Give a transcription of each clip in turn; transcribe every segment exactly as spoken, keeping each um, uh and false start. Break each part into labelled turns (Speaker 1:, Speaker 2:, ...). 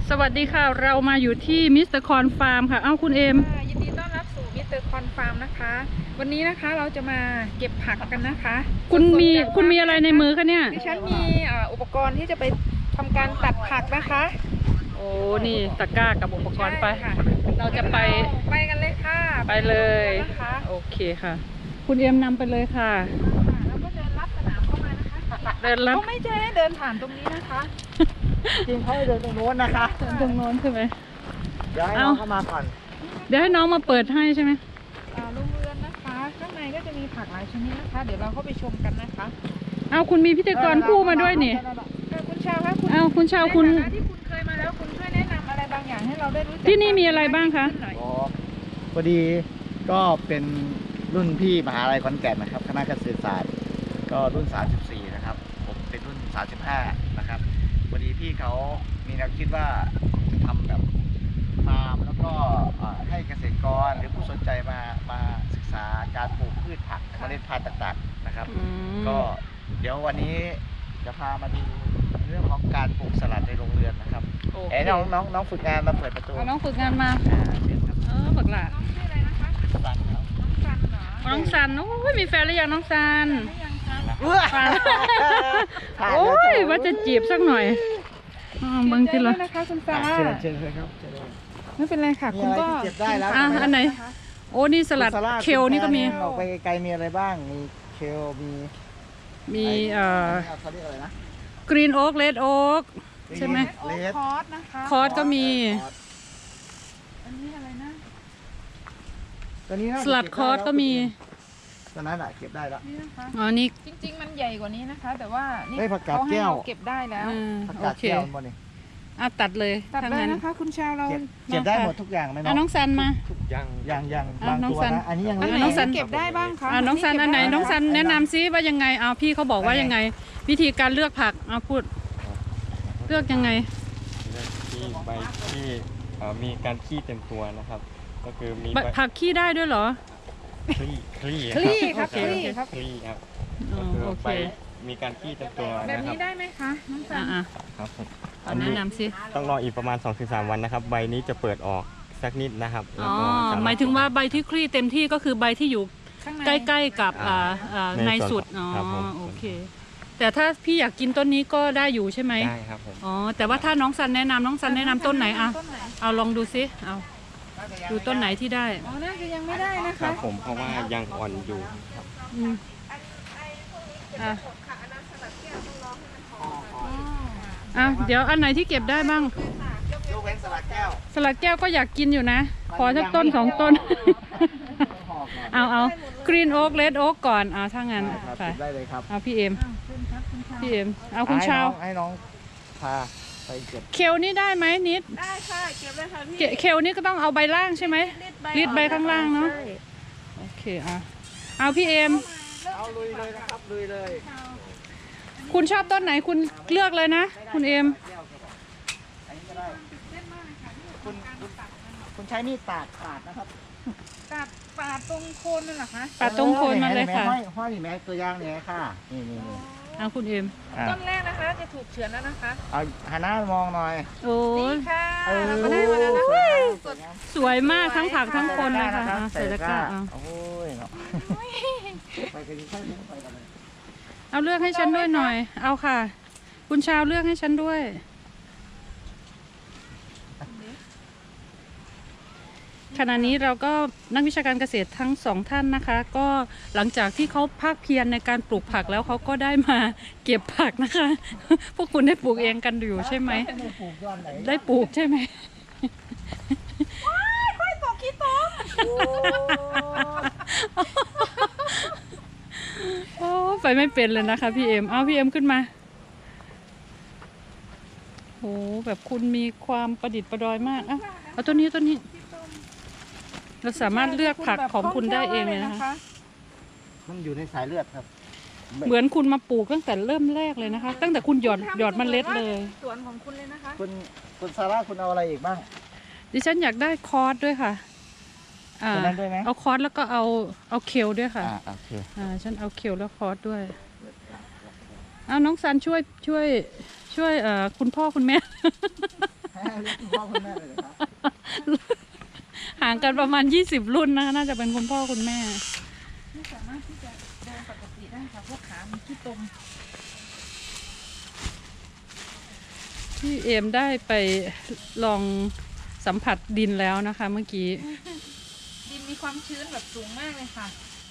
Speaker 1: สวัสดีค่ะเรามาอยู่ที่มิสเตอร์คอนฟาร์มค่ะเอ้าคุณเอม
Speaker 2: ยินดีต้อนรับสู่มิสเตอร์คอนฟาร์มนะคะวันนี้นะคะเราจะมาเก็บผักกันนะคะ
Speaker 1: คุณมีคุณมีอะไรในมือคะเนี่ย
Speaker 2: ดิฉันมีอุปกรณ์ที่จะไปทำการตัดผักนะคะ
Speaker 1: โอ้นี่ตะกร้ากับอุปกรณ์ไปเราจะไป
Speaker 2: ไปกันเลยค่ะ
Speaker 1: ไปเลยโอเคค่ะคุณเอมนำไปเลยค่ะ
Speaker 2: แล้วก็เดินลัดสนามเข้ามานะคะ
Speaker 1: เดินลัด
Speaker 2: เขาไม่ใช่เดินผ่านตรงนี้นะคะ
Speaker 3: จริงเขาเดินตรงโน้นนะคะ
Speaker 1: เดินตรงโน้นใช่ไหม
Speaker 3: เดี๋ยวให้น้องเข้ามาก่อน
Speaker 1: เดี๋ยวให้น้องมาเปิดให้ใช่ไหม
Speaker 2: โรงเรือนนะคะข้างในก็จะมีผักหลายชนิดนะคะเดี๋ยวเราเข้าไปชมกันนะคะ
Speaker 1: เอาคุณมีพิธีกรคู่มาด้วยนี่
Speaker 2: คุณชาวคะคุณ
Speaker 1: เอาคุณชาวคุณ
Speaker 2: ที่คุณเคยมาแล้วคุณช่วยแนะนำอะไรบางอย่างให้เราได้รู้จัก
Speaker 1: ที่นี่มีอะไรบ้างคะ
Speaker 3: อ๋อพอดีก็เป็นรุ่นพี่มหาลัยขอนแก่นนะครับคณะเกษตรศาสตร์ก็รุ่นสามสิบสี่นะครับผมเป็นรุ่นสามสิบห้านะครับพอดีพี่เขามีแนวคิดว่าจะทำแบบฟาร์มแล้วก็ให้เกษตรกรหรือผู้สนใจมามาศึกษาการปลูกพืชผักเมล็ดพันธุ์ต่างๆนะครับก็เดี๋ยววันนี้จะพามาดูเรื่องของการปลูกสลัดในโรงเรือนนะครับเอ๋น้องน้องน้องฝึกงานมาเปิดประตู
Speaker 1: น้องฝึกงานมาเออฝึกละ
Speaker 2: น้องชื่ออะไรนะคะ
Speaker 3: สันครับ
Speaker 1: น้องซันโอ้ยมีแฟนหรือยังน้องซันโอ้ยว่าจะจีบสักหน่อยบางทีละ
Speaker 2: นะคะคุณซาร่า
Speaker 3: เชิญเลยครับ
Speaker 2: ไม่เป็นไรค่ะคุณก็
Speaker 3: เก็บได้แล้ว
Speaker 1: อ่ะอันไหนโอ้นี่สลัดเคลนี่ก็มี
Speaker 3: ออกไปไกลมีอะไรบ้างมีเคลมี
Speaker 1: มีเอ่อ
Speaker 3: เขาเรียกอะไรนะ
Speaker 1: กรีนโอ๊กเลดโอ๊กใช่ไหม
Speaker 2: คอร์สนะคะ
Speaker 1: คอร์สก็มี
Speaker 2: อันนี้อะไรนะ
Speaker 3: ตัวนี้
Speaker 1: สลัดคอร์สก็มี
Speaker 3: ตอนนั้นแหละเก็บได้แล้ว
Speaker 1: อ๋อนี่
Speaker 2: จริงๆมันใหญ่กว่านี้นะคะแต่ว่านี่
Speaker 3: เขาให้เรา
Speaker 2: เก็บได้แล้ว
Speaker 3: ผักกาดแก้วมันนี่
Speaker 1: อ่ะตัดเลย
Speaker 2: ตัดเลยนะคะคุณชาวเรา
Speaker 3: เก็บได้หมดทุกอย่างไหมน้อง
Speaker 1: น้องซันมา
Speaker 3: ยังยังยังบางตัวนะอันนี้ยัง
Speaker 2: น้องซันเก็บได้บ้างคะ
Speaker 1: น้องซันอันไหนน้องซันแนะนำซิว่ายังไงเอาพี่เขาบอกว่ายังไงวิธีการเลือกผักเอาพูดเลือกยังไง
Speaker 4: เลือกที่ใบที่มีการขี้เต็มตัวนะครับก็คือมี
Speaker 1: ผักขี้ได้ด้วยเหรอ
Speaker 4: คลี่คลี่
Speaker 2: คลี่ครับคลี่ครับ
Speaker 4: คลี่ครับก็คือใบมีการขี้เต็มตัว
Speaker 2: แบบนี้ได้ไหมคะน้องซัน
Speaker 4: ครับ
Speaker 1: ผมแนะนำสิ
Speaker 4: ต้องรออีกประมาณ สองถึงสาม วันนะครับใบนี้จะเปิดออกสักนิดนะครับ
Speaker 1: อ๋อหมายถึงว่าใบที่คลี่เต็มที่ก็คือใบที่อยู่ใกล้ๆกับในสุดอ๋อโอเคแต่ถ้าพี่อยากกินต้นนี้ก็ได้อยู่ใช่ไหม
Speaker 4: ได้ครับผม
Speaker 1: อ๋อแต่ว่าถ้าน้องซันแนะนำน้องซันแนะนำต้นไหนอ่ะเอาลองดูซิเอาดูต้นไหนที่ได้
Speaker 2: อ๋อน่าจะยังไม่ได้นะคะ
Speaker 4: ครับผมเพราะว่ายังอ่อนอยู่ครับ
Speaker 1: อืมอ่ะอ่ะเดี๋ยวอันไหนที่เก็บได้บ้าง
Speaker 3: ยกเว้นสลัดแก้ว
Speaker 1: สลัดแก้วก็อยากกินอยู่นะขอสักต้นสองต้นเอาเอากรีนโอ๊กเลดโอ๊กก่อนเอาถ้างั้น
Speaker 3: ไปได้เลยครับ
Speaker 1: เอาพี่เอ็มพี่เอ็มเอาคุณชาว
Speaker 3: ให้น้องพาไปเก็บ
Speaker 1: เคลนี่ได้ไหมนิด
Speaker 2: ได้ค่ะเก็บเลยค่ะพี่
Speaker 1: เคลนี่ก็ต้องเอาใบล่างใช่ไหมรีดใบข้างล่างเนาะโอเคอ่ะเอาพี่เอ็ม
Speaker 3: เอาลุยเลยนะครับลุยเลย
Speaker 1: คุณชอบต้นไหนคุณเลือกเลยนะคุณเอ็ม
Speaker 3: คุณคุณใช้มีดปาดปาดนะครับ
Speaker 2: ปาดปาดตรงโคนนั่นเหรอคะ
Speaker 1: ปาดตรงโคนมันเลยค่ะ
Speaker 3: ห้อยห้อยแม่ตัวย่างเนี่ยค่ะนี่นี่นี่
Speaker 1: เอาคุณเอ็ม
Speaker 2: ต้นแรกนะคะจะถูกเฉือนแล้วนะคะ
Speaker 3: เอาหันหน้ามองหน่อย
Speaker 1: โอ้
Speaker 2: ยค่ะมาได้มาแล้วนะคะ
Speaker 1: สวยมากทั้งผักทั้งคนเลยค่ะ
Speaker 3: ใส่ตะกร้าโอ้ยเนาะไปกันดีค่อยไปกันเลย
Speaker 1: เอาเลือกให้ฉันด้วยหน่อยเอาค่ะคุณชาวเลือกให้ฉันด้วยขณะนี้เราก็นักวิชาการเกษตรทั้งสองท่านนะคะก็หลังจากที่เขาภาคเพียรในการปลูกผักแล้วเขาก็ได้มาเก็บผักนะคะพวกคุณได้ปลูกเองกันอยู่ใช่ไหมได้ปลูกใช่ไหม
Speaker 2: ค่อยตกขี้ตก
Speaker 1: โอ้ไปไม่เป็นเลยนะคะพี่เอ็มเอาพี่เอ็มขึ้นมาโอ้แบบคุณมีความประดิษฐ์ประดอยมากอ่ะเอาตัวนี้ตัวนี้เราสามารถเลือกผักของคุณได้เองเลยนะคะ
Speaker 3: มันอยู่ในสายเลือดครับ
Speaker 1: เหมือนคุณมาปลูกตั้งแต่เริ่มแรกเลยนะคะตั้งแต่คุณหยอดหยอดเมล็ดเลย
Speaker 2: สวนของคุณเลยนะคะ
Speaker 3: คุณคุณซาร่าคุณเอาอะไรอีกบ้าง
Speaker 1: ดิฉันอยากได้คอร์สด้วยค่ะอ่าเอาคอร์สแล้วก็เอาเอาเคลด้วยค่ะ
Speaker 3: อ่าโอเค
Speaker 1: อ่าฉันเอาเคลแล้วคอร์สด้วยเอาน้องซันช่วยช่วยช่วยเอ่อคุณพ่อคุณแม่
Speaker 3: พ่อคุณแม่เลยครับ
Speaker 1: ห่างกันประมาณยี่สิบรุ่นนะคะน่าจะเป็นคุณพ่อคุณแม่
Speaker 2: ไม่สามารถที่จะเดินปกติได้ค่ะเพราะขามันขี้ตม
Speaker 1: พี่เอมได้ไปลองสัมผัสดินแล้วนะคะ เมื่อกี้
Speaker 2: ดินมีความชื้นแบบสูงมากเลยค่ะ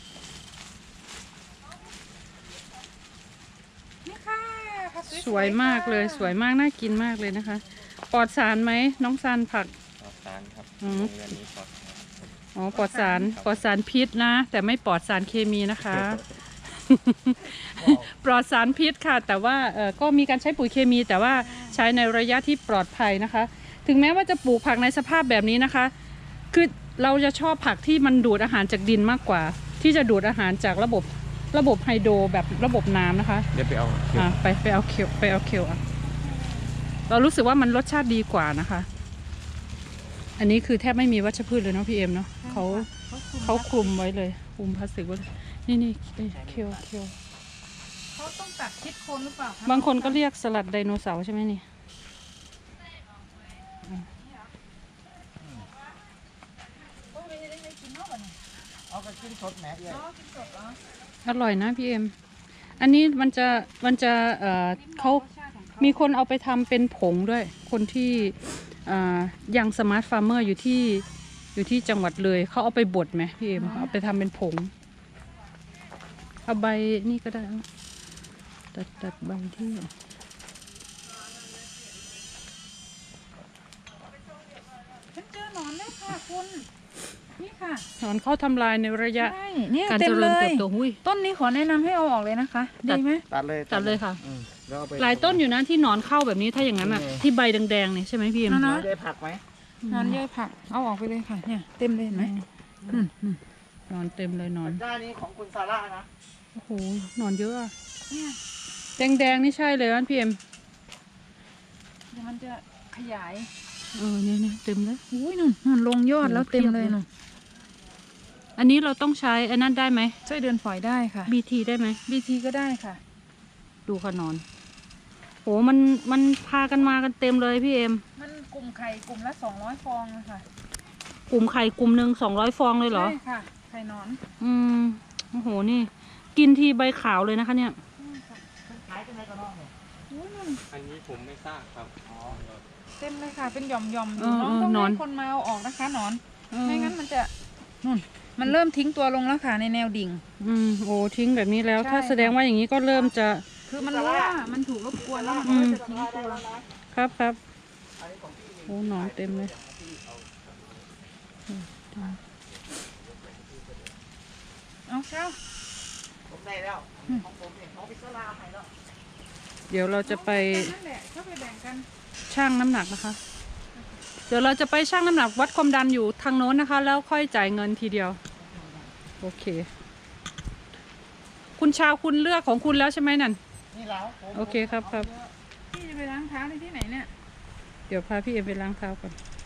Speaker 2: นี่ค่ะผัก
Speaker 1: สวยมากเลย
Speaker 2: ค่ะ
Speaker 1: สวยมากน่ากินมากเลยนะคะ ปลอดสารไหมน้องซันผัก
Speaker 4: ปลอดสารครับ
Speaker 1: อืม
Speaker 4: โรงเรียนนี้ปลอดสาร
Speaker 1: อ๋อปลอดสารปลอดสารพิษนะ แต่ไม่ปลอดสารเคมีนะคะ ปลอดสารพิษค่ะ แต่ว่าเออก็มีการใช้ปุ๋ยเคมี แต่ว่าใช้ในระยะที่ปลอดภัยนะคะ ถึงแม้ว่าจะปลูกผักในสภาพแบบนี้นะคะ คือเราจะชอบผักที่มันดูดอาหารจากดินมากกว่า ที่จะดูดอาหารจากระบบระบบไฮโดรแบบระบบน้ำนะคะ
Speaker 4: เดี๋ยวไปเอาเขียว
Speaker 1: อ่ะไปไปเอาเคียวไปเอาเคียวอ่ะเรารู้สึกว่ามันรสชาติดีกว่านะคะ อันนี้คือแทบไม่มีวัชพืชเลยเนาะพี่เอ็มเนาะเขาเขาคลุมไว้เลยคลุมพลาสติกไว้เลยนี่นี่เอ้ยเคียวเคียว
Speaker 2: เขาต้องตัดชิดโคนหรือเปล่าคะ
Speaker 1: บางคนก็เรียกสลัดไดโนเสาร์ใช่ไหมนี่
Speaker 2: โอ้ยไม่ได้ไม่กินนอกอ่ะเนี่ย
Speaker 3: เอากระชิ้นสดแหม่เอ้ย
Speaker 2: อ๋อกินสดเหรอ
Speaker 1: อร่อยนะพี่เอ็มอันนี้มันจะมันจะเอ่อเขา
Speaker 2: รสชาติของเขา
Speaker 1: มีคนเอาไปทำเป็นผงด้วย คนที่อ่ายังสมาร์ทฟาร์มเมอร์อยู่ที่อยู่ที่จังหวัดเลยเขาเอาไปบดไหมพี่เอ็มเอาไปทำเป็นผง เอาใบนี่ก็ได้เอาตัดตัดใบที่
Speaker 2: ฉันเจอหนอนแล้วค่ะคุณนี่ค่ะ
Speaker 1: ถอนเข้าทำลายในระยะ
Speaker 2: ใช่เนี่ย
Speaker 1: การ
Speaker 2: เต็
Speaker 1: เจ
Speaker 2: ม
Speaker 1: ริ
Speaker 2: เล
Speaker 1: ญเติ
Speaker 2: ย
Speaker 1: บโตหุ้ย
Speaker 2: ต้นนี้ขอแนะนำให้เอาออกเลยนะคะ
Speaker 1: ตัด
Speaker 2: ดีไหม
Speaker 3: ตัดเลย
Speaker 1: ตัดเลยค่ะ
Speaker 3: อืมแล้วเอไป
Speaker 1: หลายต้นอยู่นะที่หนอนเข้าแบบนี้ถ้าอย่างนั้นอ่ะ
Speaker 3: เออ
Speaker 1: ที่ใบแดงๆเนี่ยใช่ไหมพี่เอ็ม
Speaker 2: นั่น
Speaker 3: เรา
Speaker 2: นะ
Speaker 3: ได้ผักไหม
Speaker 2: หนอนเยอะผักเอาออกไปเลยค่ะเนี่ยเต็มเลยเห็นไหมอืมอืม
Speaker 1: หนอนเต็มเลยหนอน
Speaker 3: ด้านนี้ของคุณซาร่านะ
Speaker 1: โอ้โหหนอนเยอะอะ
Speaker 2: เนี่ย
Speaker 1: แดงๆนี่ใช่เลยนะพี่เอ็ม
Speaker 2: เดี๋ยวมันจะขยาย
Speaker 1: เออเนี่ยเนี่ยเต็มเลย
Speaker 2: อุ้ยนุ่นนุ่นลงยอดแล้วเต็มเลย
Speaker 1: เพียบเลย
Speaker 2: นุ่น
Speaker 1: อันนี้เราต้องใช้อันนั้นได้ไหม
Speaker 2: ช่วยเดินฝอยได้ค่ะ
Speaker 1: บีทีได้ไหม
Speaker 2: บีทีก็ได้ค่ะ
Speaker 1: ดูค่ะหนอนโหมันมันพากันมากันเต็มเลยพี่เอ็ม
Speaker 2: มันกลุ่มไข่กลุ่มละสองร้อยฟองนะคะ
Speaker 1: กลุ่มไข่กลุ่มหนึ่งสองร้อยฟองเลยเหรอ
Speaker 2: ใช่ค่ะไข่หนอน
Speaker 1: อืมโอ้โหนี่ กินทีใบขาวเลยนะคะเนี่ย
Speaker 3: ขายกันไหนก็นอกเนี่ย
Speaker 2: อุ้ยนุ่น
Speaker 4: อันนี้ผมไม่ทราบครับ
Speaker 2: เต็มเลยค่ะเป็นหย่อมหย่อมๆอ
Speaker 1: เอยู่ อ
Speaker 2: น้อง
Speaker 1: เออ
Speaker 2: ต้อง
Speaker 1: หนอน
Speaker 2: ให้คนมาเอาออกนะคะหนอน
Speaker 1: เออ
Speaker 2: ไม่งั้นมันจะนุ่นมันเริ่มทิ้งตัวลงแล้วค่ะในแนวดิ่ง
Speaker 1: อืมโอ้ทิ้งแบบนี้แล้ว
Speaker 2: ใช่
Speaker 1: ถ้าแสดงว่าอย่างนี้ก็เริ่มจะ
Speaker 2: คือมันรู้ว่ามันถูกรบกวนแล้วมันก็จะทิ้งตัว
Speaker 1: ครับครับโอ้หนอนเต็มเลย
Speaker 2: เอาเช้า
Speaker 3: ผมได้แล้ว ของผมเนี่ยของพิซซ่าให้แล้ว
Speaker 1: เดี๋ยวเราจะไป
Speaker 2: นั่นแหละเข้าไปแบ่งกัน
Speaker 1: ชั่งน้ำหนักนะคะ เดี๋ยวเราจะไปชั่งน้ำหนักวัดความดันอยู่ทางโน้นนะคะ แล้วค่อยจ่ายเงินทีเดียว โอเค คุณชาวคุณเลือกของคุณแล้วใช่ไหมนั่น
Speaker 3: นี่แล้วผม
Speaker 1: โอเคครับครับ
Speaker 2: พี่จะไปล้างเท้าในที่ไหนเนี่ย
Speaker 1: เดี๋ยวพาพี่เอ็มไปล้างเท้าก่อน